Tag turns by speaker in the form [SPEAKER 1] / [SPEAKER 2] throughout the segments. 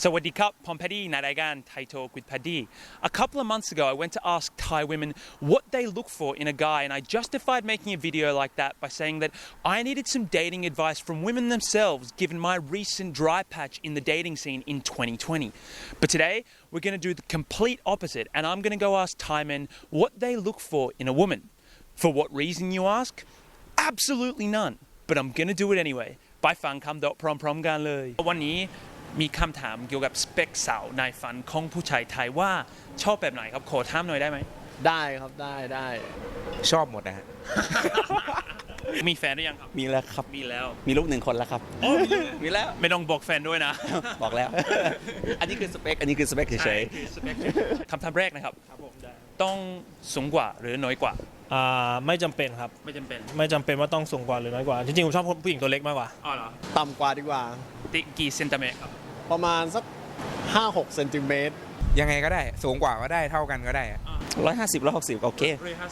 [SPEAKER 1] Sawadee Pom Paddy Nadagan Thai Talk with Paddy. A couple of months ago, I went to ask Thai women what they look for in a guy, and I justified making a video like that by saying that I needed some dating advice from women themselves, given my recent dry patch in the dating scene in 2020. But today, we're going to do the complete opposite, and I'm going to go ask Thai men what they look for in a woman. For what reason, you ask? Absolutely none. But I'm going to do it anyway. ไปฟังคำตอบพร้อมๆกันเลยวันนี้มีคำถามเกี่ยวกับสเปคสาวในฝันของผู้ชายไทยว่าชอบแบบไหนครับขอถามหน่อยได้ไหม
[SPEAKER 2] ได้ครับได้
[SPEAKER 3] ชอบหมดนะฮะ
[SPEAKER 1] มีแฟนหรือยังครับ
[SPEAKER 3] มีแล้วครับ
[SPEAKER 1] มีแล้ว
[SPEAKER 3] มีลูก1 คนแล้วครับมีแล้ว
[SPEAKER 1] ไม่ต้องบอกแฟนด้วยนะ
[SPEAKER 3] บอกแล้ว อันนี้คือสเปคเฉย
[SPEAKER 1] ๆคำถามแรกนะครับต้องสูงกว่าหรือน้อยกว่า
[SPEAKER 4] ไม่จำเป็นครับ
[SPEAKER 1] ไม่จำ
[SPEAKER 4] เป็นว่าต้องสูงกว่าหรือน้อยกว่าจริงๆผมชอบผู้หญิงตัวเล็กมากกว่า
[SPEAKER 1] อ๋อเหรอ
[SPEAKER 2] ต่ำกว่าดีกว่า
[SPEAKER 1] กี่เซนติเมตรครับ
[SPEAKER 2] ประมาณสัก 5-6 เซนติเมตร
[SPEAKER 3] ยังไงก็ได้สูงกว่าก็ได้เท่ากันก็ได้150 160โอเค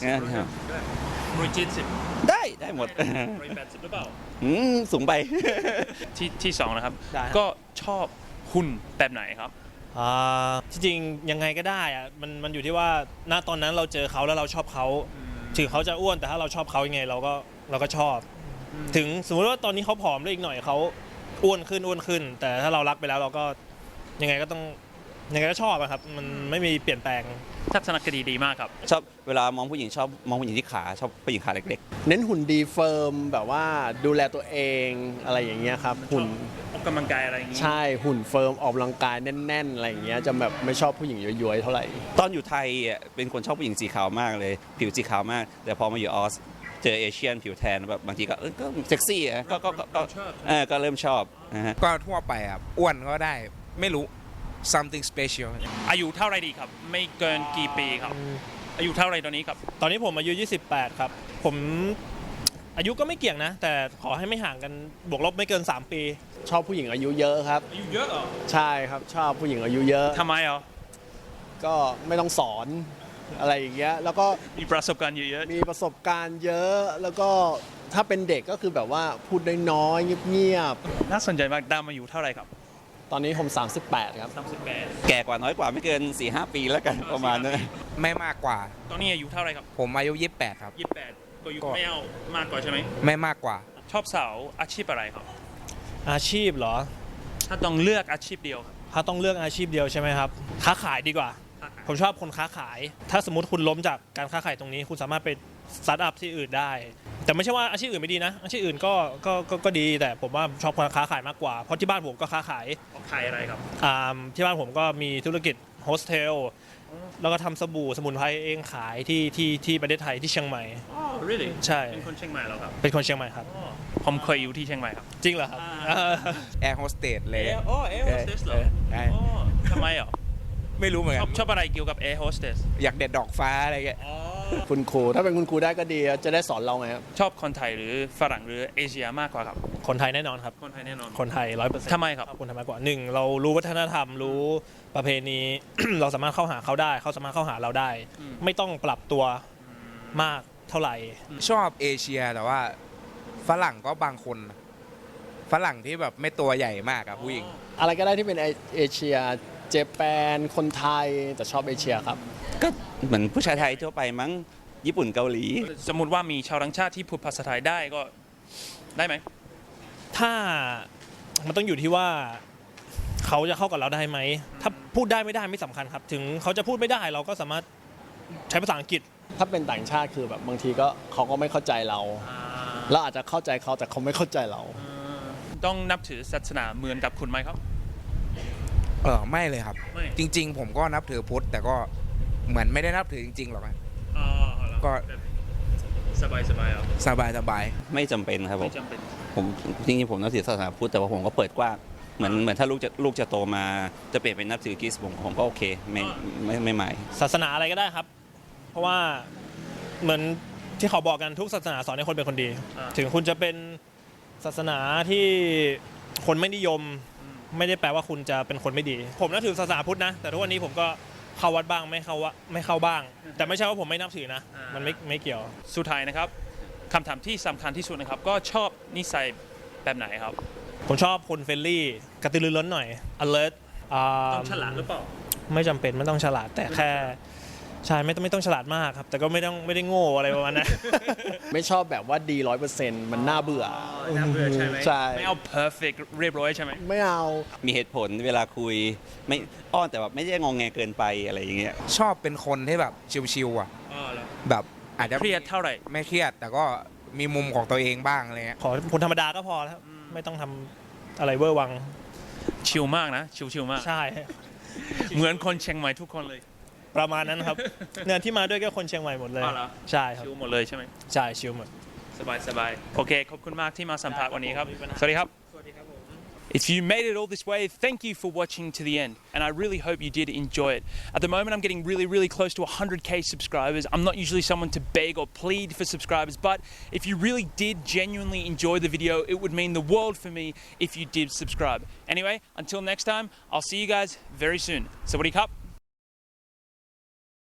[SPEAKER 1] 170
[SPEAKER 3] ได้หมด
[SPEAKER 1] 180หรือเปล่า
[SPEAKER 3] สูงไป
[SPEAKER 1] ที่2นะครับก็ชอบหุ่นแบบไหนครับ
[SPEAKER 4] จริงๆยังไงก็ได้อะมันอยู่ที่ว่าณตอนนั้นเราเจอเขาแล้วเราชอบเขาถึงเขาจะอ้วนแต่ถ้าเราชอบเขายังไงเราก็ชอบถึงสมมติว่าตอนนี้เขาผอมแล้วอีกหน่อยเขาอ้วนขึ้นแต่ถ้าเรารักไปแล้วเราก็ยังไงก็ชอบอะครับมันไม่มีเปลี่ยนแปลง
[SPEAKER 1] ทัศนคติดีมากครับ
[SPEAKER 3] ชอบเวลามองผู้หญิงชอบมองผู้หญิงที่ขาชอบผู้หญิงขาเล็ก
[SPEAKER 2] ๆเน้นหุ่นดีเฟิร์มแบบว่าดูแลตัวเองอะไรอย่างเงี้ยครับหุ่น
[SPEAKER 1] ออกกำลังกายอะไรอย่างงี้
[SPEAKER 2] ใช่หุ่นเฟิร์มออกกำลังกายแน่นๆอะไรอย่างเงี้ยจะแบบไม่ชอบผู้หญิงย้วยๆเท่าไหร่
[SPEAKER 3] ตอนอยู่ไทยเป็นคนชอบผู้หญิงสีขาวมากเลยผิวสีขาวมากแต่พอมาอยู่ออสเจอเอเชียนผิวแทนแบบบางทีก็เซ็กซี่ก็เริ่มชอบนะฮะ
[SPEAKER 5] ก็ทั่วไปอ่ะอ้วนก็ได้ไม่รู้ something special
[SPEAKER 1] อายุเท่าไรดีครับไม่เกินกี่ปีครับอายุเท่าไรตอนนี้ครับ
[SPEAKER 4] ตอนนี้ผมอายุ28ครับผมอายุก็ไม่เกี่ยงนะแต่ขอให้ไม่ห่างกันบวกลบไม่เกิน3 ปี
[SPEAKER 2] ชอบผู้หญิงอายุเยอะครับ
[SPEAKER 1] อายุเยอะเหรอ
[SPEAKER 2] ใช่ครับชอบผู้หญิงอายุเยอะ
[SPEAKER 1] ทำไมอ่ะ
[SPEAKER 2] ก็ไม่ต้องสอนอะไรอย่างเงี้ยแล้วก็
[SPEAKER 1] มีประสบการณ์เยอะ
[SPEAKER 2] มีประสบการณ์เยอะแล้วก็ถ้าเป็นเด็กก็คือแบบว่าพูดน้อยๆเงียบ
[SPEAKER 1] ๆน่าสนใจมากดามอายุเท่าไรครับ
[SPEAKER 2] ตอนนี้ผม38ครับ
[SPEAKER 1] 38
[SPEAKER 3] แก่กว่าน้อยกว่าไม่เกิน 4-5 ปีแล้วกันประมาณนั้น
[SPEAKER 5] ไม่มากกว่า
[SPEAKER 1] ตอนนี้อายุเท่าไรครับ
[SPEAKER 5] ผมอายุ28ครับ
[SPEAKER 1] 28ก็อายุไม่เอามากกว่าใช่ไหม
[SPEAKER 5] ไม่มากกว่า
[SPEAKER 1] ชอบสาวอาชีพอะไรครับ
[SPEAKER 4] อาชีพเหรอ
[SPEAKER 1] ถ้าต้องเลือกอาชีพเดียว
[SPEAKER 4] ถ้าต้องเลือกอาชีพเดียวใช่ไหมครับค้าขายดีกว่าผมชอบคนค้าขายถ้าสมมติคุณล้มจากการค้าขายตรงนี้คุณสามารถไปสตาร์ทอัพที่อื่นได้แต่ไม่ใช่ว่าอาชีพอื่นไม่ดีนะอาชีพอื่นก็ดีแต่ผมว่าชอบคนค้าขายมากกว่าเพราะที่บ้านผมก็ค้าขาย
[SPEAKER 1] อะไรครับ
[SPEAKER 4] ที่บ้านผมก็มีธุรกิจโฮสเทลแล้วก็ทำสบู่สมุนไพรเองขายที่ประเทศไทยที่เชียงใหม่
[SPEAKER 1] really
[SPEAKER 4] ใช่
[SPEAKER 1] เป็นคนเชียงใหม่เหรอครับ
[SPEAKER 4] เป็นคนเชียงใหม่ครับ
[SPEAKER 1] ผมเคยอยู่ที่เชียงใหม่ครับ
[SPEAKER 4] จริงเหรอครับ
[SPEAKER 5] แอร์โฮสเตสเลย
[SPEAKER 1] แอร์โฮสเตสเหรอทำไมอ่ะ
[SPEAKER 5] ไม่รู้เหมือนกัน
[SPEAKER 1] ชอบอะไรเกี่ยวกับแอร์โฮสเตส
[SPEAKER 5] อยากเด็ดดอกฟ้าอะไรเงี้ย
[SPEAKER 2] คุณครูถ้าเป็นคุณครูได้ก็ดีจะได้สอนเราไงครับ
[SPEAKER 1] ชอบคนไทยหรือฝรั่งหรือเอเชียมากกว่าครับ
[SPEAKER 4] คนไทยแน่นอนครับ
[SPEAKER 1] คนไทยแน่นอน
[SPEAKER 4] คนไทย 100%
[SPEAKER 1] ทำไมครับ
[SPEAKER 4] คนไทยมากกว่า1เรารู้วัฒนธรรมรู้ประเพณี เราสามารถเข้าหาเขาได้เขาสามารถเข้าหาเราได้ไม่ต้องปรับตัวมากเท่าไหร่
[SPEAKER 5] ชอบเอเชียแต่ว่าฝรั่งก็บางคนฝรั่งที่แบบไม่ตัวใหญ่มากครับผู้หญิง
[SPEAKER 2] อะไรก็ได้ที่เป็นเอเชียเจแปนคนไทยแต่ชอบเอเชียครับ
[SPEAKER 3] ก็เหมือนผู้ชายไทยทั่วไปมั้งญี่ปุ่นเกาหลี
[SPEAKER 1] สมมุติว่ามีชาวต่างชาติที่พูดภาษาไทยได้ก็ได้ไหม
[SPEAKER 4] ถ้ามันต้องอยู่ที่ว่าเขาจะเข้ากับเราได้ไหมถ้าพูดได้ไม่ได้ไม่สำคัญครับถึงเขาจะพูดไม่ได้เราก็สามารถใช้ภาษาอังกฤษ
[SPEAKER 2] ถ้าเป็นต่างชาติคือแบบบางทีก็เขาก็ไม่เข้าใจเราเราอาจจะเข้าใจเขาแต่เขาไม่เข้าใจเรา
[SPEAKER 1] ต้องนับถือศาสนาเหมือนกับคุณไหมครับ
[SPEAKER 5] ไม่เลยครับจริงๆผมก็นับถือพุทธแต่ก็เหมือนไม่ได้นับถือจริงๆหรอกก็
[SPEAKER 1] สบาย
[SPEAKER 3] ไม่จำเป็นครับผมจริงๆผมนับถือศาสนาพุทธแต่ว่าผมก็เปิดกว้างเหมือนถ้าลูกจะโตมาจะเปลี่ยนเป็นนับถือคริสต์ผมก็โอเคไม่หมาย
[SPEAKER 4] ศาสนาอะไรก็ได้ครับเพราะว่าเหมือนที่เขาบอกกันทุกศาสนาสอนให้คนเป็นคนดีถึงคุณจะเป็นศาสนาที่คนไม่นิยมไม่ได้แปลว่าคุณจะเป็นคนไม่ดีผมนับถือศาสนาพุทธนะแต่ทุกวันนี้ผมก็เข้าวัดบ้างไม่เข้าบ้างแต่ไม่ใช่ว่าผมไม่นับถือนะมันไม่เกี่ยว
[SPEAKER 1] สุดท้ายนะครับคำถามที่สำคัญที่สุดนะครับก็ชอบนิสัยแบบไหนครับ
[SPEAKER 4] ผมชอบคนเฟรนลี่กระตือรือร้นหน่อย alert อ่า
[SPEAKER 1] ต้องฉลาดหรือเปล่า
[SPEAKER 4] ไม่จำเป็นไม่ต้องฉลาดแต่แค่ใช่ไม่ต้องฉลาดมากครับ แต่ก็ไม่ได้โง่อะไรประมาณนั้น
[SPEAKER 2] ไม่ชอบแบบว่าดี100%มันน่าเบื่อ
[SPEAKER 1] น่าเบื่อใช่ไหม
[SPEAKER 2] ใช่
[SPEAKER 1] ไม่เอา perfect เรียบร้อยใช่ไหม
[SPEAKER 2] ไม่เอา
[SPEAKER 3] มีเหตุผลเวลาคุยไม่อ้อนแต่แบบไม่ได้งองแงเกินไปอะไรอย่างเงี้ย
[SPEAKER 5] ชอบเป็นคนที่แบบชิวๆอ่ะ
[SPEAKER 1] อ๋อเหรอ
[SPEAKER 5] แบบอาจจะ
[SPEAKER 1] เครียดเท่าไหร่
[SPEAKER 5] ไม่เครียด แต่ก็มีมุมของตัวเองบ้างอะไรเงี้ย
[SPEAKER 4] ขอคนธรรมดาก็พอแล้วครับไม่ต้องทำอะไรเวอร์วัง
[SPEAKER 1] ชิลมากนะชิลมาก
[SPEAKER 4] ใช่
[SPEAKER 1] เหมือนคนเชียงใหม่ทุกคนเลย
[SPEAKER 4] ประมาณนั้นครับ เนี่ยที่มาด้วยก็คนเชียงใหม่หมดเลย
[SPEAKER 1] อ๋อเหรอ
[SPEAKER 4] ใช่ครับ
[SPEAKER 1] ชิลหมดเลยใช่ไหม
[SPEAKER 4] ใช่ชิลหมด
[SPEAKER 1] สบายโอเคขอบคุณมากที่มาสัมภาษณ์วันนี้ครับ
[SPEAKER 4] ได้ครับ
[SPEAKER 1] สวัสดีครับ If you made it all this way, thank you for watching to the end, and I really hope you did enjoy it. At the moment, I'm getting really close to 100k subscribers. I'm not usually someone to beg or plead for subscribers, but if you really did genuinely enjoy the video, it would mean the world for me if you did subscribe. Anyway, until next time, I'll see you guys very soon. Sawadee Cup.